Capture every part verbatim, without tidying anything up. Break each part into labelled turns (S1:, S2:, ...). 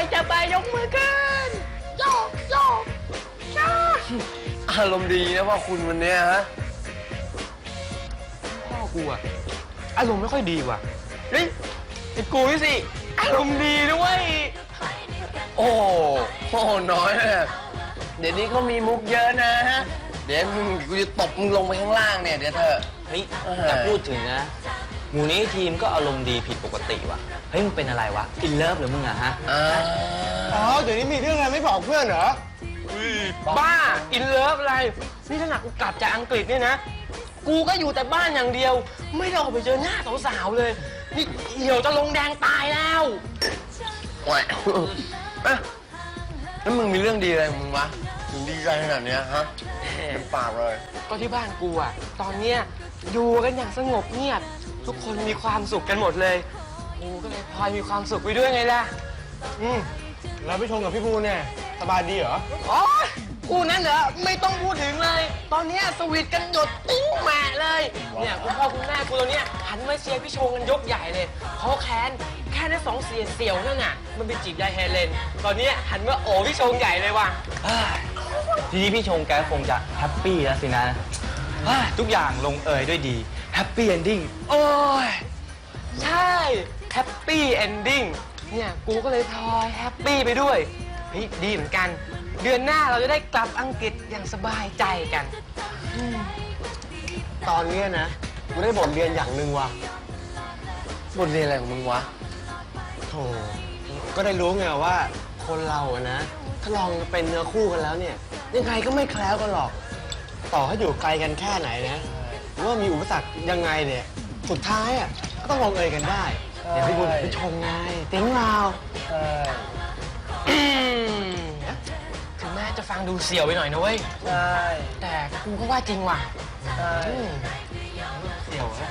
S1: จะไปยกมือขึ้นโยกโยกโยกอารมณ์ดีนะพ่อคุณวันนี้ฮะพ่อกูอะอารมณ์ไม่ค่อยดีว่ะเฮ้ยไอ้กูนี่สิอารมณ์ดีด้วยโอ้โหน้อยนะเดี๋ยวนี้เขามีมุกเยอะนะฮะเดี๋ยวมึงกูจะตบมึงลงไปข้างล่างเนี่ยเดี๋ยวเธอ
S2: เฮ้ยแต่พูดถึงนะหมูนี้ทีมก็อารมณ์ดีผิดปกติว่ะเฮ้ยมึงเป็นอะไรวะอินเลิฟหรือมึงอะฮะ
S3: อ๋อเดี๋ยวนี้มีเรื่องอะไรไม่บอกเพื่อนเหรอ
S1: บ้าอินเลิฟอะไรนี่ถ้าหนักกูกลับจากอังกฤษเนี่ยนะกูก็อยู่แต่บ้านอย่างเดียวไม่ได้ออกไปเจอหน้าสาวๆเลยนี่เหี่ยวจะลงแดงตายแล้วโอ้ยแล้วมึงมีเรื่องดีอะไรมึงวะมึงดีใจขนาดนี้ฮะเป็นปากเลยก็ที่บ้านกูอะตอนเนี้ยอยู่กันอย่างสงบเงียบทุกคนมีความสุขกันหมดเลยกูก็เลยพลอยมีความสุขไปด้วยไงล่ะ
S3: อืมแล้วพี่ชงกับพี่ภูเนี่ยสบายดีเหรอ
S1: อ๋อกูนั่นเหรอไม่ต้องพูดถึงเลยตอนเนี้ยสวีทกันหยดติ้งแหม่เลยเนี่ยคุณพ่อคุณแม่กูตอนเนี้ยหันมาเชียร์พี่ชงกันยกใหญ่เลยเขาแค้นแค่ได้สองเสียเสี่ยวนั่นน่ะมันไปจีบยายเฮเลนตอนเนี้ยหันมาโอ้พี่ชงใหญ่เลยว่ะ
S2: ทีนี้พี่ชงแกคงจะแฮปปี้แล้วสินะทุกอย่างลงเอยด้วยดีแฮปปี้เอนดิ้ง
S1: โอ้ยใช่แฮปปี้เอนดิ้งเนี่ยกูก็เลยพลอยแฮปปี้ไปด้วยเฮ้ยดีเหมือนกันเดือนหน้าเราจะได้กลับอังกฤษอย่างสบายใจกัน
S3: ตอนนี้นะกูได้บทเรียนอย่างหนึ่งว่ะ
S1: บทเรียนอะไรของมึงวะ
S3: โธ่ก็ได้รู้ไงว่าคนเราอะนะถ้าลองเป็นเนื้อคู่กันแล้วเนี่ยยังไงก็ไม่แคล้วกันหรอกต่อให้อยู่ไกลกันแค่ไหนนะหรือว่ามีอุปสรรคยังไงเนี่ยสุดท้ายอ่ะก็ต้องลงเอยกันได้เดี๋ยวพี่บุญพี่ชงไงติ้งเรา
S1: ถึงแม้จะฟังดูเสี่ยวไปหน่อยนะเว้ยใช่แต่กูก็ว่าจริงว่ะใช่เสี่ยวนะ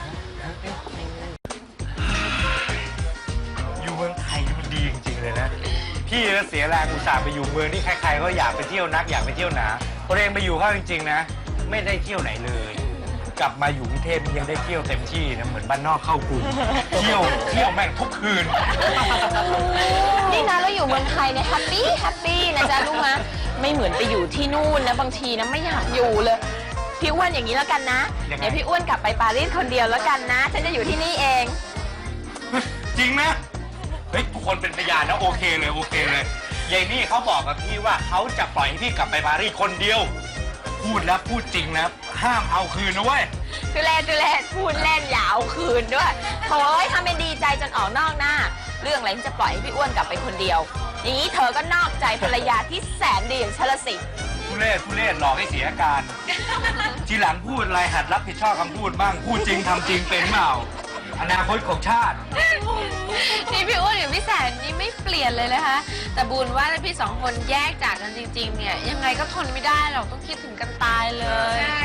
S4: อยู่เมืองไทยมันดีจริงๆเลยนะพี่ก็เสียแรงอุตส่าห์ไปอยู่เมืองที่ใครๆก็อยากไปเที่ยวนักอยากไปเที่ยวหนาพอเองไปอยู่เข้าจริงๆนะไม่ได้เที่ยวไหนเลยกลับมาอยู่กรุงเทพยังได้เที่ยวเต็มที่นะเหมือนบ้านนอกเข้ากรุงเที่ยวเที่ยวแม่งทุกคืน
S5: นี่นะเราอยู่เมืองไทยเนี่ยแฮปปี้แฮปปี้นะจ๊ะลูกนะไม่เหมือนไปอยู่ที่นู่นนะบางทีนะไม่อยากอยู่เลยพี่อ้วนอย่างนี้แล้วกันนะเดี๋ยวพี่อ้วนกลับไปปารีสคนเดียวแล้วกันนะฉันจะอยู่ที่นี่เอง
S4: จริงนะเฮ้ยทุกคนเป็นพยานนะโอเคเลยโอเคเลยยายนี่เขาบอกกับพี่ว่าเขาจะปล่อยให้พี่กลับไปปารีสคนเดียวพูดแล้วพูดจริงนะห้ามเอาคืนนะเว้ย
S5: ตุเล่ตุเล่พูดเล่นอย่าเอาคืนด้วยโถ่ทำเป็นดีใจจนออกนอกหน้าเรื่องอะไรที่จะปล่อยให้พี่อ้วนกลับไปคนเดียวอย่างนี้เธอก็นอกใจภรรยาที่แสนดีอย่างฉันละสิ
S4: ทุเรศทุเรศหลอกให้เสียอาการทีหลังพูดอะไรหัดรับผิดชอบคำพูดบ้างพูดจริงทำจริงเป็นเปล่าอนาคตของชาติ
S5: นี่พี่อ้วนกับพี่แสนนี่ไม่เปลี่ยนเลยนะคะแต่บุญว่าถ้าพี่สองคนแยกจากกันจริงๆเนี่ยยังไงก็ทนไม่ได้หรอกต้องคิดถึงกันตายเลยใช่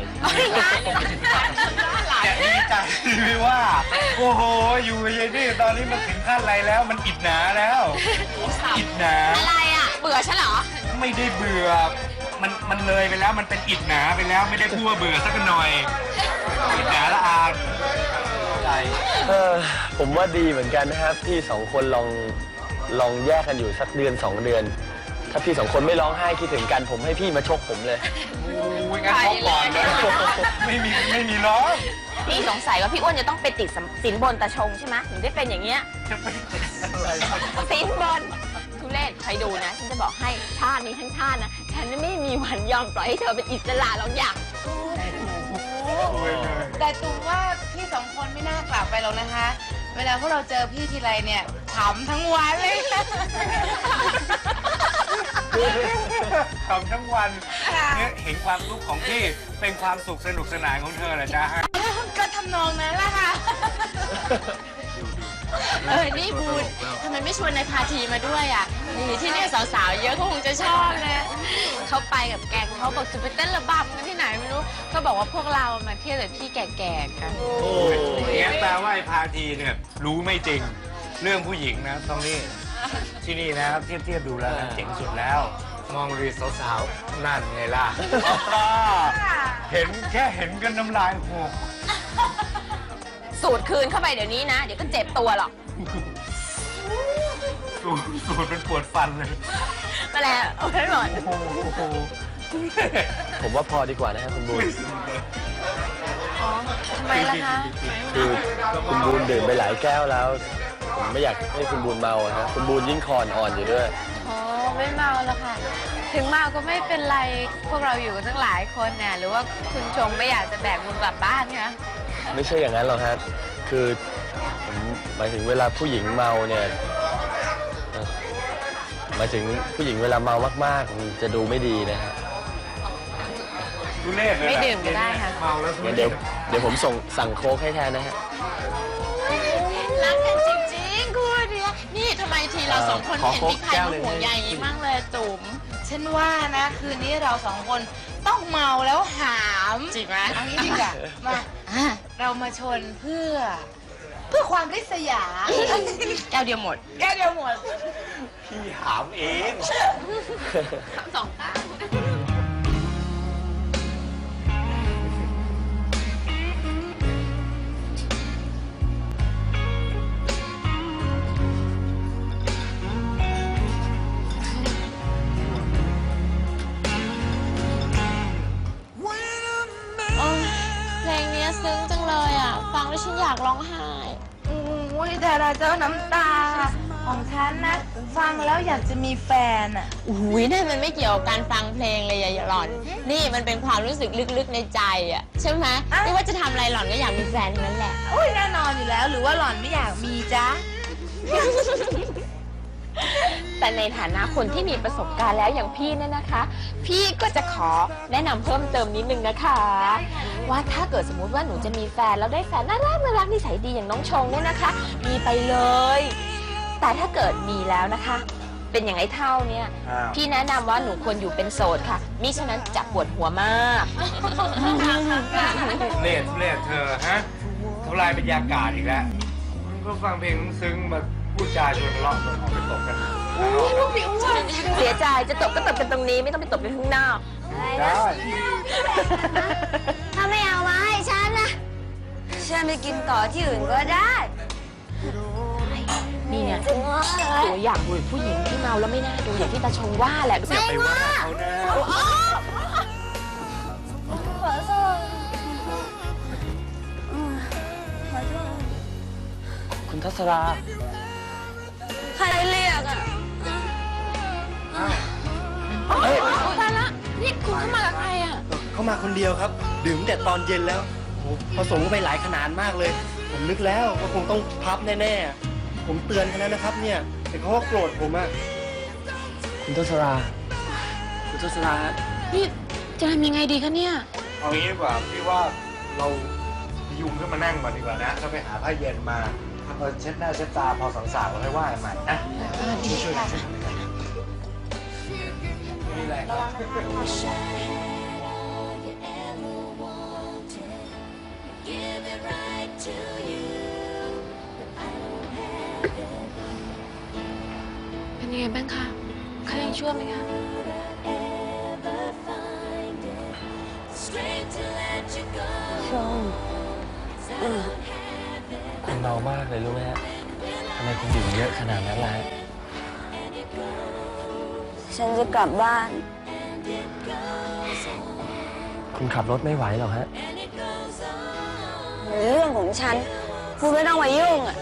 S4: อย่าดีใจพี่ว่าโอ้โหอยู่ยายนี่ตอนนี้มันถึงขั้นอะไรแล้วมันอิดหนาแล้วอิดหนา
S5: อะไรอ่ะเบื่อฉันเหรอ
S4: ไม่ได้เบื่อมันมันเลยไปแล้วมันเป็นอิดหนาไปแล้วไม่ได้พูดว่าเบื่อสักหน่อยอิดหนาละอา
S1: เออผมว่าดีเหมือนกันนะครับพี่สองคนลองลองแยกกันอยู่สักเดือนสองเดือนถ้าพี่สองคนไม่ร้องไห้คิดถึงกันผมให้พี่มาชกผมเลย
S4: โอ้ยงั้นชกก่อนเลยไม่มีไม่มีร้อง
S5: พี่สงสัยว่าพี่อ้วนจะต้องไปติดสินบนตาชงใช่ไหมถึงได้เป็นอย่างเงี้ยสินบนทุเรศใครดูนะฉันจะบอกให้ชาตินี้ทั้งชาตินะฉันไม่มีวันยอมปล่อยให้เธอเป็นอิสระหรอกอย่าง
S6: แต่ตูว่าพี่สองคนไม่น่ากลับไปหรอกนะคะเวลาพวกเราเจอพี่ทีไรเนี่ยขำทั้งวันเลย
S4: ขำทั้งวันเนี่ยเห็นความสุขของพี่เป็นความสุขสนุกสนานของเธอเหรอจ๊ะ
S6: ก็ทำนองนั้นแหละค่ะ
S5: เออนี่บูนทำไมไม่ชวนนายพาทีมาด้วยอ่ะนี่ที่นี่สาวๆเยอะเขาคงจะชอบนะเขาไปกับแกงเขาบอกจะไปเต้นระบำกันที่ไหนไม่รู้ก็บอกว่าพวกเรามาเที่ยวแต่ที่แก่ๆกัน
S4: โอ้ยเนี่ยแปลว่าไอ้พาทีเนี่ยรู้ไม่จริงเรื่องผู้หญิงนะตรงนี้ที่นี่นะเทียบเทียบดูแล้วเจ๋งสุดแล้วมองรีสาวๆนั่นไงล่ะเห็นแค่เห็นกันน้ำลายหก
S5: สูดคืนเข้าไปเดี๋ยวนี้นะเดี๋ยวก็เจ็บตัวหรอก
S4: สูดสูดเป็นปวดฟันเลย
S5: มาแล้วเอาไว้หมด
S4: โอ้โห
S3: ผมว่าพอดีกว่านะครับคุณบูน
S5: อ๋อทำไมล่ะคะ
S3: คือคุณบูนดื่มไปหลายแก้วแล้ว ผมไม่อยากให้คุณบูนเมาอะฮะคุณบูนยิ่งคอนอ่อนอยู่ด้วย
S6: อ๋อไม่เมาแล้วค่ะ ถึงเมาก็ไม่เป็นไรพวกเราอยู่กันตั้งหลายคนเนี่ยหรือว่าคุณชงไม่อยากจะแบกบุญกลับบ้านคะ
S3: ไม่ใช่อย่างนั้นหรอกฮะคือผมหมายถึงเวลาผู้หญิงเมาเนี่ยเอ่อหมายถึงผู้หญิงเวลาเมามากๆมันจะดูไม่ดีนะฮะ
S4: ทุเรศเลยนะ
S6: ไม่ดื่มก็ได้ค่ะ
S4: เมาแล้วทุ
S3: งั้น
S4: เร
S3: เดี๋ยว
S4: ศ
S3: เดี๋ยวผมส่งสั่งโค้กให้แทนนะฮะ
S5: รักกันจริงๆคู่เนี้ยนี่ทำไมทีเราสองคน
S3: ขอ
S5: เห็น
S3: โค้ก
S5: มีใคร
S3: แก้ว
S5: มา
S3: เลย
S5: ห่วงใยอย่างนี้มั่งเลยจุ๋ม
S6: ฉันว่านะคืนนี้เราสองคนต้องเมาแล้วหาม
S5: จริงไหม
S6: เอางี้ดีกว่ามาเรามาชนเพื่อ เพื่อความริษยา
S5: แก้วเดียวหมด
S6: แก้วเดียวหมด
S4: พี่หามเอง
S5: สองตา โอ้ยเพลงเนี้ยซึ้งจังเลยอ่ะ ฟังแล้วฉันอยากร้องไห้
S6: โอ้ยแต่ละเจ้าน้ำตา ของฉันนะ ฟังแล้วอยากจะมีแฟนอ่ะ
S5: อุ้ยนั่นมันไม่เกี่ยวกับการฟังเพลงเลยอย่าหล่อน นี่มันเป็นความรู้สึกลึกๆในใจอ่ะใช่ไหม
S6: อ่ะ
S5: ไม่ว่าจะทำอะไรหล่อนก็อยากมีแฟนทั้งนั้นแหละ
S6: โอ้ยแน่นอนอยู่แล้วหรือว่าหล่อนไม่อยากมีจ๊ะ
S5: แต่ในฐานะคนที่มีประสบการณ์แล้วอย่างพี่เนี่ยนะคะ พี่ก็จะขอแนะนำเพิ่มเติมนิดนึงนะคะ ว่าถ้าเกิดสมมุติว่าหนูจะมีแฟนแล้วได้แฟนน่ารักน่ารักนิสัยดีอย่างน้องชงเนี่ยนะคะ มีไปเลย แต่ถ้าเกิดมีแล้วนะคะ เป็นอย่างไอ้เท่าเนี่ย
S4: อ้าว
S5: พี่แนะนำว่าหนูควรอยู่เป็นโสดค่ะมิฉะนั้นจะปวดหัวมาก
S4: ทุเรศทุเรศเธอฮะทำลายบรรยากาศอีกแล้วมึงก็ฟังเพลงซึ้งมาพูดจาชวนทะเลาะกันออกไปตบกัน
S5: เสียใจจะตบก็ตบกันตรงนี้ไม่ต้องไปตบกันข้างนอก
S4: ได้
S7: ถ้าไม่เอามาให้ฉันนะ ฉันไปกินต่อที่อื่นก็ได้
S5: นี่เนี่ยตัวอย่างบุรุษผู้หญิงที่เมาแล้วไม่น่าดูอย่างที่ตาชงว่าแหละดูสิ
S4: ไปว่าเขานะ
S7: ขอโทษอืมขอโทษ
S3: คุณทัศรา
S7: ใครเรียกอ่ะ
S3: เฮ้ย
S5: ตายละนี่คุณเข้ามากับใครอ่ะ
S8: เขามาคนเดียวครับ ดื่มแต่ตอนเย็นแล้วโอ้โหผสมไปหลายขนาดมากเลย ผมนึกแล้วว่าคงต้องพับแน่ๆ ผมเตือนเขาแล้วนะครับเนี่ย แต่เขาก็โกรธผมอะ
S3: คุณทัศรา คุณทัศรา
S5: นี่จะทำยังไงดีคะเนี่ย
S4: เอางี้ดีกว่าพี่ว่าเรายุงขึ้นมานั่งก่อนดีกว่านะเราไปหาผ้าเย็นมาพอเช็ดหน้าเช็ดตาพอสังสารเราค่อยว่ากันใหม่นะช่วยๆกันนี่แหละ
S5: เป็นยังไงบ้างคะเขายังชั่วไหมคะ
S7: ชม
S3: คุณเมามากเลยรู้ไหมฮะทำไมคุณดื่มเยอะขนาดนั้นล่ะฮะ
S7: ฉันจะกลับบ้าน
S3: คุณขับรถไม่ไหวหรอกฮะ
S7: เรื่องของฉัน คุณไม่ต้องมายุ่งอ่ะ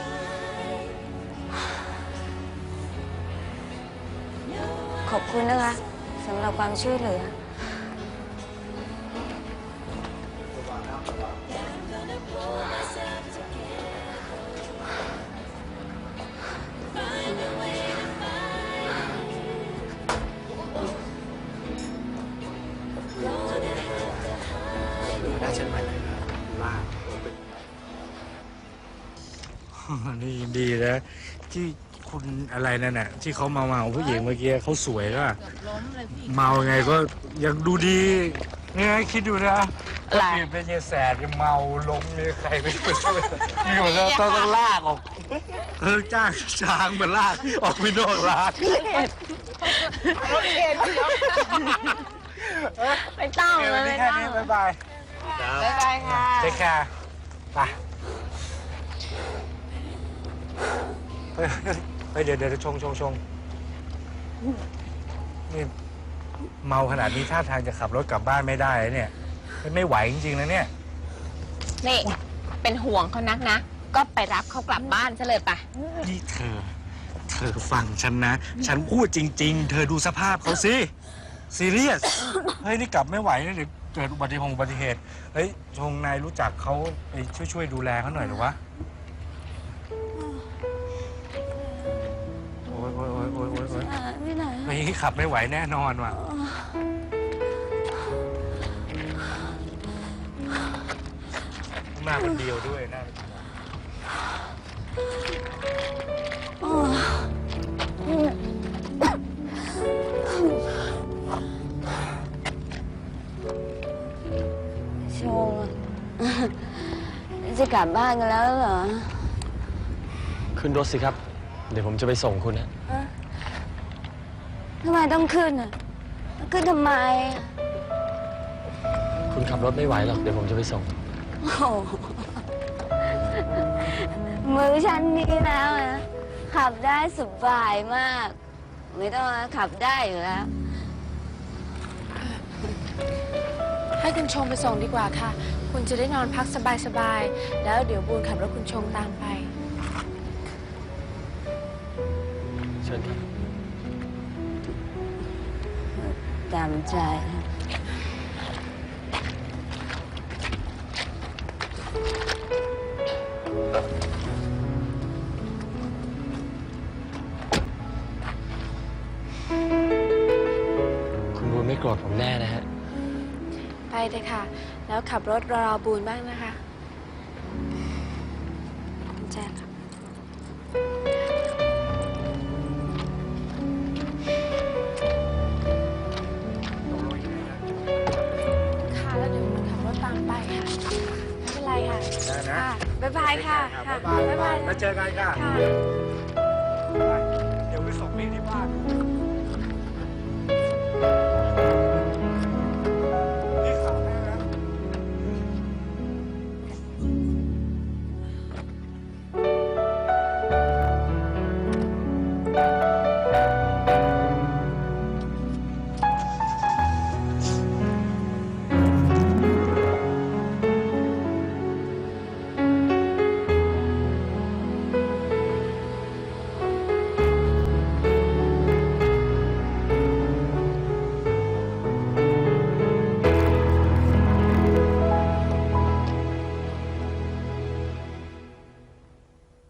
S7: ขอบคุณนะคะสำหรับความช่วยเหลือ
S8: น่าเชื่อมั่นเลยครับมาก
S4: นี่ดีนะที่คุณอะไรนั่นน่ะที่เขามาเมาผู้หญิงเมื่อกี้เขาสวยก็เมาไงก็ยังดูดีเนี่ยคิดดูนะ
S5: อะไร
S4: เปลี่ยนเป็นยายแสบยังเมาลงเลยใครไม่ช่วยนี่หมดแล้วต้องต้องลากออกเออจ้างช้างมาลากออกไปนอกร้าน
S5: ไม่ต้องเลย
S4: เดี๋ยวนี้
S5: ไม่
S4: แค่
S5: ต้อง
S4: นี้บ๊ายบาย
S6: บ๊ายบายค่ะ
S4: เทคแคร์ไปเฮ้ยเดี๋ยวเดี๋ยวชงชงชงนี่เมาขนาดนี้ท่าทางจะขับรถกลับบ้านไม่ได้เลยเนี่ยไม่ไหวจริงๆนะเนี่ย
S5: นี่เป็นห่วงเขานักนะ ก็ไปรับเขากลับบ้านซะเลยปะ
S4: นี่เธอ เธอฟังฉันนะ ฉันพูดจริง ๆ เธอดูสภาพเขาสิ ซีเรียส เฮ้ย นี่กลับไม่ไหวนะเดี๋ยวเกิดอุบัติเหตุอุบัติเหตุ เฮ้ย ชงนายรู้จักเขาไปช่วยช่วยดูแลเขาหน่อยหรือวะ โอ๊ยโอ๊ยโอ๊ยโอ๊ยโอ๊ยโอ๊ย
S7: ไม่ไหน
S4: เฮ้ยขับไม่ไหวแน่นอนว่ะหน้าเป็นเดียวด้วยหน้าเป็นเดียว
S7: ชง จะกลับบ้านกันแล้วเหรอ
S3: ขึ้นรถสิครับ เดี๋ยวผมจะไปส่งคุณนะ
S7: ทำไมต้องขึ้นอ่ะ ขึ้นทำไม
S3: คุณขับรถไม่ไหวหรอก เดี๋ยวผมจะไปส่ง
S7: โอ้โหมือฉันนี่แล้วนะขับได้สบายมาก ไม่ต้องขับได้อยู่แล้ว
S6: ให้คุณชงไปส่งดีกว่าค่ะ คุณจะได้นอนพักสบายๆ แล้วเดี๋ยวบูนขับรถคุณชงตามไป
S3: เชิญครับ
S7: ตามใจ
S3: คุณบูนไม่โกรธผมแน่นะฮะ
S6: ไปเลยค่ะ แล้วขับรถรอบูนบ้างนะคะแจ้งค่ะค่ะแล้วเดี๋ยวบูนขับรถตามไปค่ะ ไม่เป็นไรค่ะ
S4: ได้นะ
S6: ค่ะบ๊ายบายค่ะ
S4: บ๊ายบาย
S6: บ๊ายบาย
S4: แล้วเจอกันค่ะ
S6: ค่ะ